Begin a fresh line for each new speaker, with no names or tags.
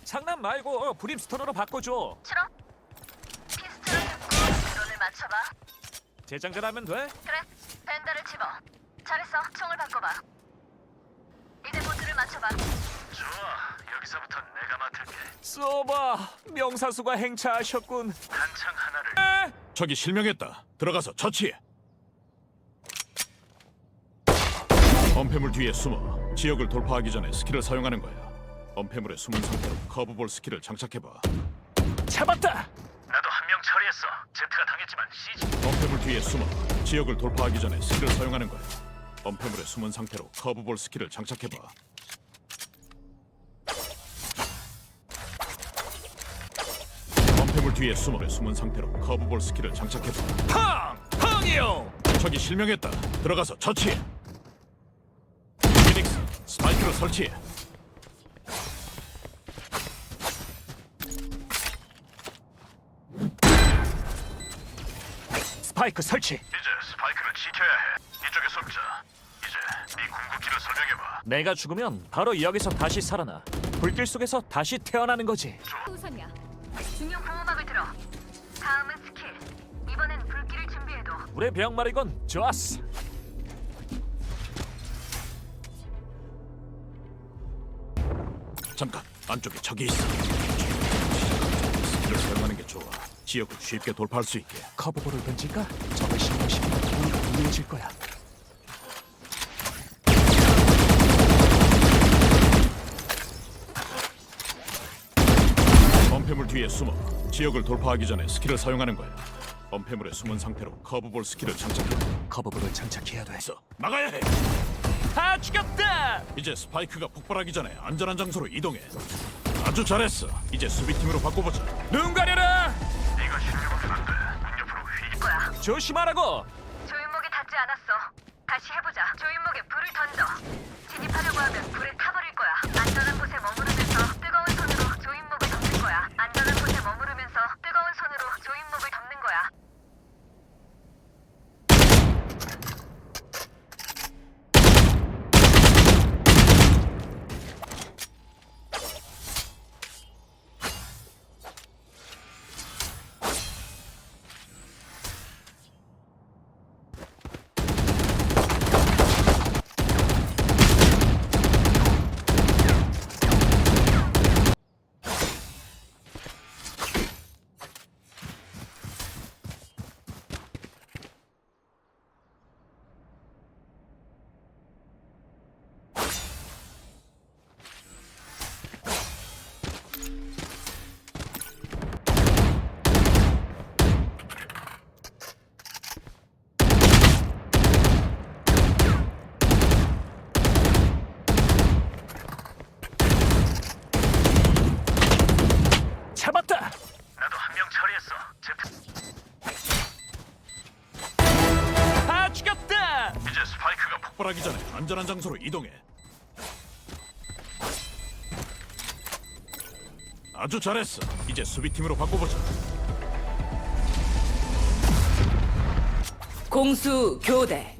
장난 말고 브림스톤으로 바꿔줘.
싫어? 피스트를 듣고 드론을 맞춰봐.
재장전하면 돼?
그래, 벤더를 집어. 잘했어, 총을 바꿔봐. 이제 보트를 맞춰봐.
좋아, 여기서부터 내가 맡을게.
쏘봐. 명사수가 행차하셨군.
한창 하나를.
적이 실명했다. 들어가서 처치해. 엄폐물 뒤에 숨어 지역을 돌파하기 전에 스킬을 사용하는 거야. 엄폐물에 숨은 상태로 커브볼 스킬을 장착해봐.
잡았다.
나도 한 명 처리했어. 제트가 당했지만 CG.
엄폐물 뒤에 숨어 지역을 돌파하기 전에 스킬을 사용하는 거야. 엄폐물에 숨은 상태로 커브볼 스킬을 장착해봐. 엄폐물 뒤에 숨은 상태로 커브볼 스킬을 장착해봐.
팡! 팡이요.
적이 실명했다. 들어가서 처치해. 피닉스, 스파이크를 설치해.
스파이크 설치.
이제 스파이크를 지켜야 해. 이쪽에 숨자. 이제 네 궁극기를 설명해봐.
내가 죽으면 바로 여기서 다시 살아나. 불길 속에서 다시 태어나는 거지.
우선이야. 중요 보호막을 들어. 다음은 스킬. 이번엔 불길을 준비해도.
우리 병마리건 좋았어.
잠깐, 안쪽에 적이 있어. 스킬을 사용하는 게 좋아. 지역을 쉽게 돌파할 수 있게.
커브볼을 던질까? 적을 신경시키면 우리가 유리해질 거야.
엄폐물 뒤에 숨어 지역을 돌파하기 전에 스킬을 사용하는 거야. 엄폐물에 숨은 상태로 커브볼 스킬을 장착해.
커브볼을 장착해야 돼.
서 막아야 해.
다 죽였다.
이제 스파이크가 폭발하기 전에 안전한 장소로 이동해. 아주 잘했어. 이제 수비팀으로 바꿔보자.
눈 가려라.
네가 실력은 안 돼. 문 옆으로 휘.
거야.
조심하라고.
조윤목이 닿지 않았어. 다시 해보자. 조윤목에 불을 던져. 진입하려고 하면 불에 타버릴 거야. 안전한 곳에 머무르면서 뜨거운 손으로 조윤목을 덮는 거야. 안전한 곳에 머무르면서 뜨거운 손으로 조윤목을 덮는 거야.
잡았다.
나도 한 명 처리했어. 제트.
다 죽였다.
이제 스파이크가
폭발하기 전에 안전한 장소로 이동해. 아주 잘했어. 이제 수비팀으로 바꿔보자.
공수 교대